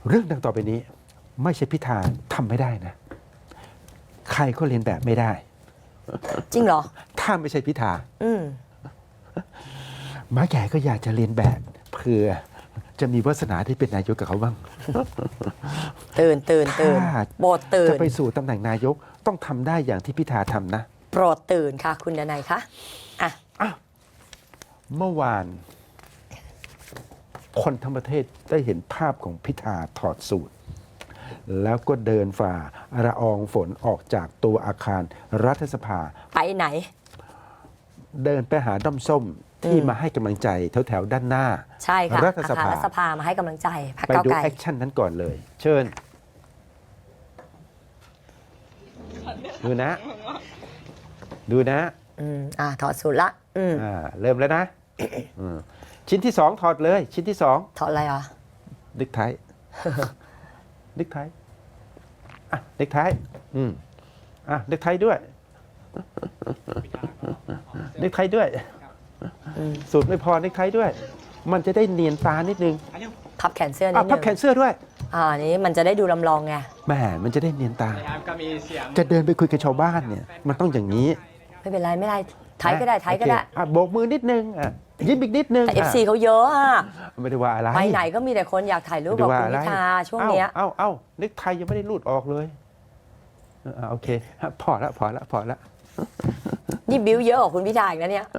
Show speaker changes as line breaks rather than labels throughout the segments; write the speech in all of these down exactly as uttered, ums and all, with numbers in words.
เรื่องดังต่อไปนี้ไม่ใช่พิธาทำไม่ได้นะใครก็เรียนแบบไม่ได้
จริงเหรอ
ถ้าไม่ใช่พิธา
อืม
ม้าแก่ก็อยากจะเรียนแบบเพื่อจะมีวาสนาที่เป็นนายกกับเขาบ้าง
ตื่นตื่นตื่นโปรดตื่น
จะไปสู่ตำแหน่งนายกต้องทำได้อย่างที่พิธาทำนะ
โปรดตื่นค่ะคุณดนัยคะอ่ะ
อ่ะเมื่อวานคนทั้งประเทศได้เห็นภาพของพิธาถอดสูทแล้วก็เดินฝ่าละอองฝนออกจากตัวอาคารรัฐสภา
ไปไหน
เดินไปหาด้อมส้มที่มาให้กำลังใจแถวๆด้านหน้า
ใช่ค่ะ
รัฐสภา
รัฐสภามาให้กำลังใจพรรค
ไป
ก้าว
ดู
ไกล
แอคชั่นนั้นก่อนเลย เชิญดูนะดูนะ
อืมอ่าถอดสูทละอืม
อ่าเริ่มแล้วนะชิ้นที่สองถอดเลยชิ้นที่สอง
ถอดอะไรอ่ะ
นึกไทยนึกไทยอ่ะนึกไทยอืมอ่ะนึกไทยด้วยนึกไทยด้วยสูตรไม่พอนึกไทยด้วยมันจะได้เนียนตานิดนึง
พับแขนเสื้อนิดนึง
พับแขนเสื้อด้วย
อ่านี้มันจะได้ดูลำลองไง
แหมมันจะได้เนียนตาจะเดินไปคุยกับชาวบ้านเนี่ยมันต้องอย่างนี้
ไม่เป็นไรไม่ได้ไทยก็ได้ไทยก็ได้
อ่ะโบกมือนิดนึงอ่ะยิ้มอีกนิดนึง
แต่ เอฟ ซี เขาเยอะอ่ะ
ไม่ได้ว่าอะไร
ไปไหนก็มีแต่คนอยากถ่ายรูปกับคุณพิธาช่วงเนี้ย
เอ้าเอ้านึกไทยยังไม่ได้รูดออกเลยโอเคพอละพอละพอละ
นี่บิ้วเยอะกว่าคุณพิธาอีกนะเนี่ย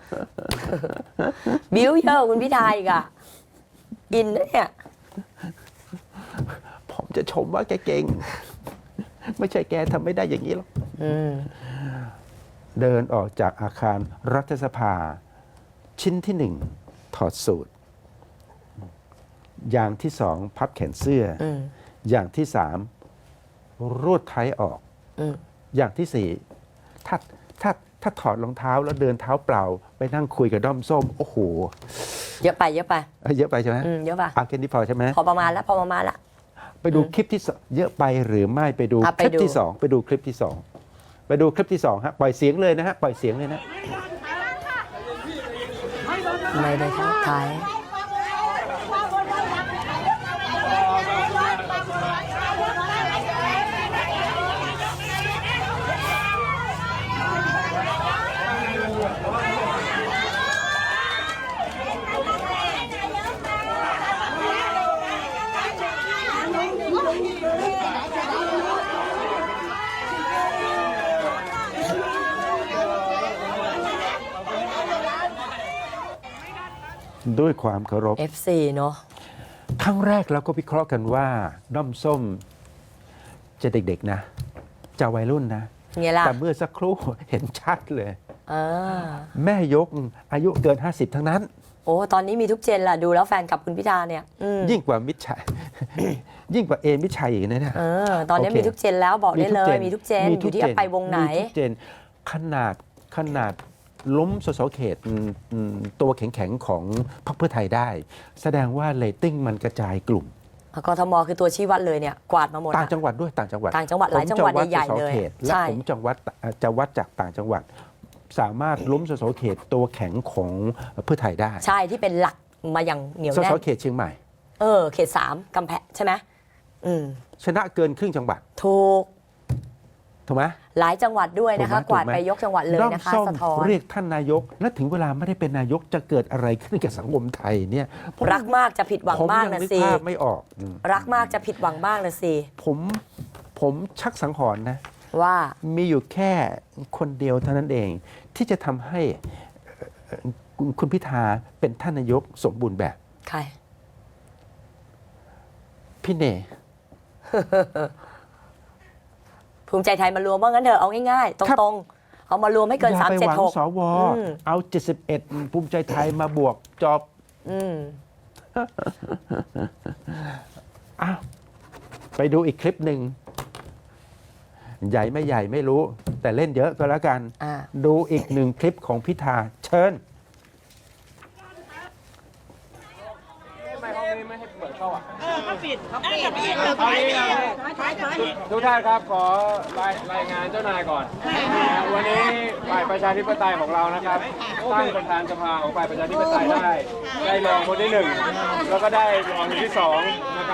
บิ้วเยอะกว่าคุณพิธาอีกอ่ะอินนะเนี่ย
ผมจะชมว่าแกเก่งไม่ใช่แกทำไม่ได้อย่างนี้หรอกเดินออกจากอาคารรัฐสภาชิ้นที่หนึ่งถอดสูทอย่างที่สองพับแขนเสื้ออย่างที่สามรูดไทยออกอย่างที่สี่ถ้าถ้าถ้าถอดรองเท้าแล้วเดินเท้าเปล่าไปนั่งคุยกับด้อมส้มโอ้โห
เยอะไปเยอะไป
เยอะไปใช่ไหม
เยอะไป
อาแค่นี้พอใช่ไหม
พอประมาณแล้วพอประมาณละ
ไปดูคลิปที่เยอะไปหรือไม่ไปดูคลิปที่สองไปดูคลิปที่สองไปดูคลิปที่สองฮะปล่อยเสียงเลยนะฮะปล่อยเสียงเลยนะ
ไม่ได้ทักทาย
ด้วยความเคารพ
เอฟ ซี เนอะ
ครั้งแรกเราก็วิเคราะห์กันว่าด้อมส้มจะเด็กๆนะจะวัยรุ่นนะแต่เมื่อสักครู่เห็นชัดเลยแม่ยกอายุเกินห้าสิบทั้งนั้น
โอ้ตอนนี้มีทุกเจนล่ะดูแล้วแฟนกับคุณพิธาเนี่ย
ยิ่งกว่ามิตรชัยยิ่งกว่าเอมิตรชัยอีกนะเนี่ย
ตอนนี้มีทุกเจนแล้วบอกได้เลยมีทุกเจนอยู่ที่ไปวงไหน
มีทุกเจนขนาดขนาดล้มสสเขตตัวแข็งๆของพรรคเพื่อไทยได้แสดงว่าเรตติ้งมันกระจายกลุ่ม
กทมคือตัวชี้วัดเลยเนี่ยกวาดมาหมด
ต่างจังหวัดด้วยต่างจังหวัด
ต่างจังหวัดหลายจังหวัดใหญ่ๆเลย
และผมจังหวัดจะวัดจากต่างจังหวัดสามารถล้มสสเขตตัวแข็งของเพื่อไทยได้
ใช่ที่เป็นหลักมาอย่างเหนียวแน่น
สสเขตเชียงใหม่
เออเขตสามกำแพงใช่ไหม
ชนะเกินครึ่งจังหวัด
ถูก
ถูกไหม
หลายจังหวัดด้วยนะคะกวาดไปยกจังหวัดเลยนะคะสะท้อน
เรียกท่านนายกและถึงเวลาไม่ได้เป็นนายกจะเกิดอะไรขึ้นกับสังคมไทยเนี่ย
รักมากจะผิดหวังมากนะสิ
ไม่ออก
รักมากจะผิดหวังมากนะสิ
ผมผมชักสังหรณ์นะ
ว่า
มีอยู่แค่คนเดียวเท่านั้นเองที่จะทำให้คุณพิธาเป็นท่านนายกสมบูรณ์แบบ
ใคร
พี่เน
ภูมิใจไทยมารวมว่างั้นเถอะเอาง่ายๆตรงๆเอามารวมให้เกินสามเจ็ดหก
สวเอาเจ็ดสิบเอ็ดภูมิใจไทยมาบวกจอบอ้าวไปดูอีกคลิปหนึ่งใหญ่ไม่ใหญ่ไม่รู้แต่เล่นเยอะก็แล้วกันดูอีกหนึ่งคลิปของพิธาเชิญ
ไม่ให้เปิดเข้าอ่ะ
เขาปิดเขาปิดเอา
งี้นะทุกท่านครับขอรายรายงานเจ้านายก่อนวันนี้ฝ่ายประชาธิปไตยของเรานะครับตั้งประธานสภาของฝ่ายประชาธิปไตยได้ได้รองคนที่หนึ่งแล้วก็ได้รองคนที่สองนะครับ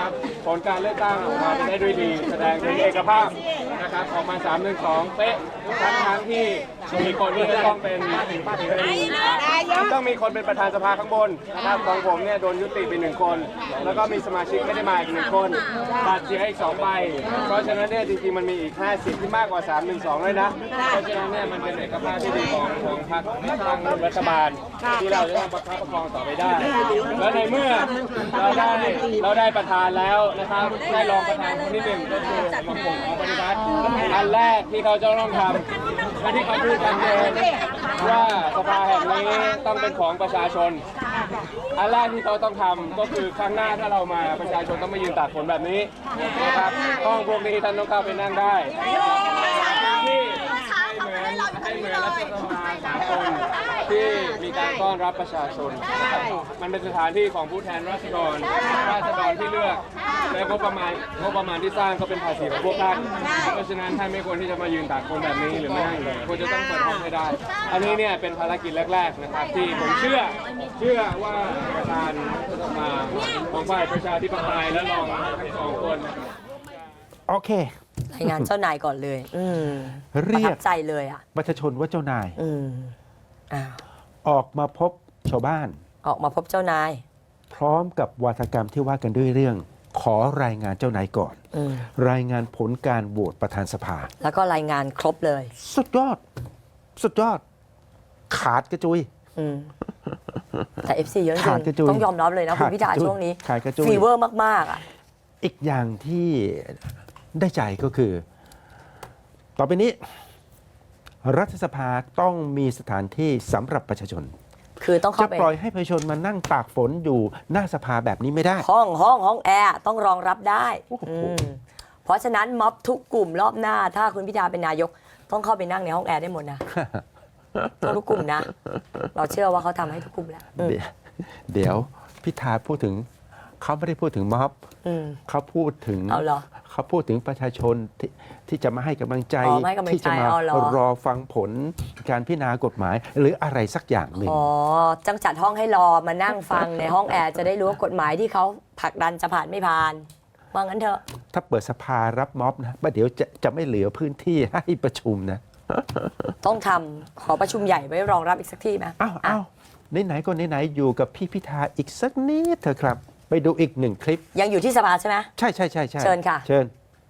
ผลการเลือกตั้งออกมาไปได้ด้วยดี แสดงถึงเอกภาพนะครับออกมาสามหนึ่งสองเป๊ะทั้งทั้งที่มีคนที่จะต้องเป็นต้องมีคนเป็นประธานสภาข้างบนนะครับของผมเนี่ยโดนยุติไปหนึ่งคน แล้วก็มีสมาชิกไม่ได้มาอีกหนึ่งคนบัตรเสียอีกสองใบเพราะฉะนั้นเนี่ยจริงๆมันมีอีกห้าสิบที่มากกว่าสามหนึ่งสองเลยนะเพราะฉะนั้นเนี่ยมันเป็นเอกภาพที่ดีของของพรรคทางรัฐบาลที่เราจะต้องประคับประคองต่อไปได้ และในเมื่อเราได้เราได้ประธานแล้วนะครับได้รองประธานคนที่หนึ่งก็คือของผมของปฏิวัติอันแรกที่เขาจะต้องทำและที่เขาพูดกันเองว่าสภาแห่งนี้ต้องเป็นของประชาชนอันแรกที่เขาต้องทำก็คือครั้งหน้าถ้าเรามาประชาชนต้องมายืนตากฝนแบบนี้นะครับห้องพวกนี้ท่านต้องเข้าไปนั่งได้ที่ให้เหมือนให้เหมือนรัฐสภาสากลที่มีการต้อนรับประชาชนมันเป็นสถานที่ของผู้แทนราษฎรราษฎรที่เลือกและงบประมาณงบประมาณที่สร้างก็เป็นภาษีของพวกท่านเพราะฉะนั้นท่านไม่ควรที่จะมายืนตากฝนแบบนี้หรือไม่นั่งเลยควรจะต้องเปิดห้องให้ได้ อันนี้เนี่ยเป็นภารกิจแรกๆนะครับที่ผมเชื่อเชื่อว่าประธานรัฐสภาของฝ่ายประชาธิปไตยและรองทั้งสองคน
โอเค
รายงานเจ้านายก่อนเลย อืม
เรียก
ประทับใจเลยอ่ะ
ประชาชนว่าเจ้านาย
อืมอ้าว
ออกมาพบชาวบ้าน
ออกมาพบเจ้านาย
พร้อมกับวาทกรรมที่ว่ากันด้วยเรื่อง ขอรายงานเจ้านายก่อน
อืม
รายงานผลการโหวตประธานสภา
แล้วก็รายงานครบเลย
สุดยอด สุดยอด ขาดกระจุย
อืมแต่ เอฟ ซี เยอะจ
ขาดก
ริ
ระ
ง
จุย
ต้องยอมรับเลยนะ
ขา
คุ
ด
ณพิธาก
ระจุย
ช่วงนี้
ขาดกระจุย
ฟีเวอร์มาก ๆ อ่ะ
อีกอย่างที่ได้ใจก็คือ ต่อไปนี้ รัฐสภาต้องมีสถานที่สำหรับประชาชน
คือต้อง
จะ
เข้าไป
ปล่อยให้ประชาชนมานั่งตากฝนอยู่หน้าสภาแบบนี้ไม่ได้
ห้องห้องห้องแอร์ต้องรองรับได้
โอ้โห
อืมเพราะฉะนั้นม็อบทุกกลุ่มรอบหน้า ถ้าคุณพิธาเป็นนายก ต้องเข้าไปนั่งในห้องแอร์ได้หมดนะ ต้องทุกกลุ่มนะ เราเชื่อว่าเขาทำให้ทุกกลุ่มแล้วอืม
เดี๋ยวเดี๋ยวพิธาพูดถึงเขาไม่ได้พูดถึงม็อบ
อืม
เขาพูดถึง
เอาเหรอ
เขาพูดถึงประชาชนที่ที่จะมาให้กำลังใจ
อ๋อมาให้กำลังใจ
ที่จะมา
เอาเหรอ
รอฟังผลการพิจารณากฎหมาย หรืออะไรสักอย่างหนึ่ง
อ๋อจังจัดห้องให้รอมานั่งฟังในห้องแอร์จะได้รู้ว่ากฎหมายที่เขาผลักดันจะผ่านไม่ผ่านว่างั้นเถอะ
ถ้าเปิดสภารับม็อบนะประเดี๋ยวจะจะไม่เหลือพื้นที่ให้ประชุมนะ
ต้องทำขอประชุมใหญ่ไว้รองรับอีกสักที่ไหม
อ้าวอ้าวไหนๆก็ไหนๆอยู่กับพี่พิธาอีกสักนิดเถอะครับ ไปดูอีกหนึ่งคลิป
ยังอยู่ที่สภาใช่ไหม
ใช่ใช่ใช่ใช่
เชิญค่ะ
เชิญ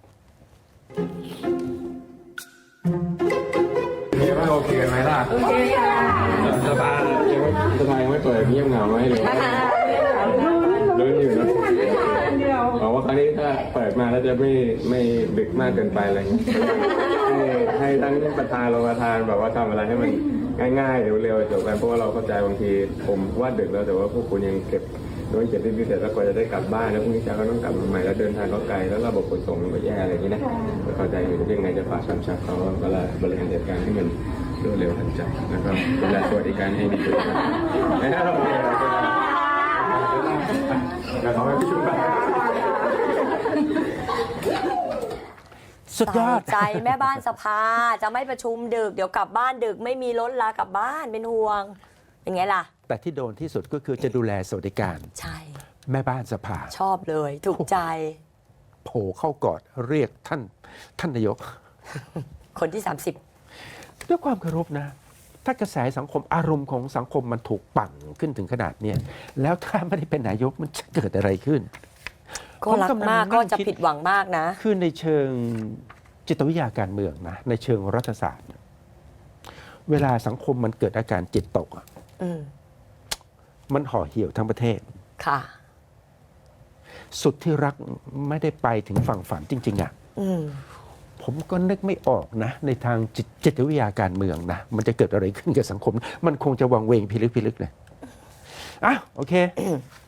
มีว่าโอเคกันไหมล่ะโอเคค่ะสภายังไม่สภายังไม่เปิดเงียบเหงาไหมหรือว่าลุ้นอยู่นะบอกว่าครั้งนี้ถ้าเปิดมาแล้วจะไม่ไม่ดึกมากเกินไปอะไรอย่างเงี้ยให้ให้ทั้งประธานรองประธานแบบว่าทำอะไรให้มันง่ายๆเร็วๆจบไปเพราะว่าเราเข้าใจบางทีผมว่าดึกแล้วแต่ว่าพวกคุณยังเก็บโดยเก็บรีบๆเสร็จแล้วกว่าจะได้กลับบ้านแล้วพรุ่งนี้เช้าก็ต้องกลับมาใหม่แล้วเดินทางก็ไกลแล้วระบบขนส่งมันก็แย่อะไรอย่างนี้นะเข้าใจอยู่ยังไงจะฝากคำชับเขาเวลาบริหารจัดการให้มันรวดเร็วทันใจนะครับดูแลสวัสดิการให้ดีด้วยนะครับเดี๋ยวขอไปพิชุมกัน
สุดยอด
ใส่ใจแม่บ้านสภาจะไม่ประชุมดึกเดี๋ยวกลับบ้านดึกไม่มีรถลากลับบ้านเป็นห่วงเป็นไงล่ะ
แต่ที่โดนที่สุดก็คือจะดูแลสวัสดิการ
ใช่
แม่บ้านสภา
ชอบเลยถูกใจ
โผล่เข้ากอดเรียกท่านท่านนายก
คนที่ สามสิบ
ด้วยความเคารพนะ ถ้ากระแสสังคมอารมณ์ของสังคมมันถูกปั่นขึ้นถึงขนาดเนี้ยแล้วถ้าไม่ได้เป็นนายกมันจะเกิดอะไรขึ้น
ก็รักมากก็จะผิดหวังมากนะ
คือในเชิงจิตวิทยาการเมืองนะในเชิงรัฐศาสตร์ เวลาสังคมมันเกิดอาการจิตตกอะ
อืม
มันห่อเหี่ยวทั้งประเทศ
ค่ะ
สุดที่รักไม่ได้ไปถึงฝั่งฝันจริง ๆอะ
อืม
ผมก็นึกไม่ออกนะ ในทางจิตจิตวิทยาการเมืองนะ มันจะเกิดอะไรขึ้นกับสังคม มันคงจะวังเวงพิลึกพิลึกเลยอ่ะโอเค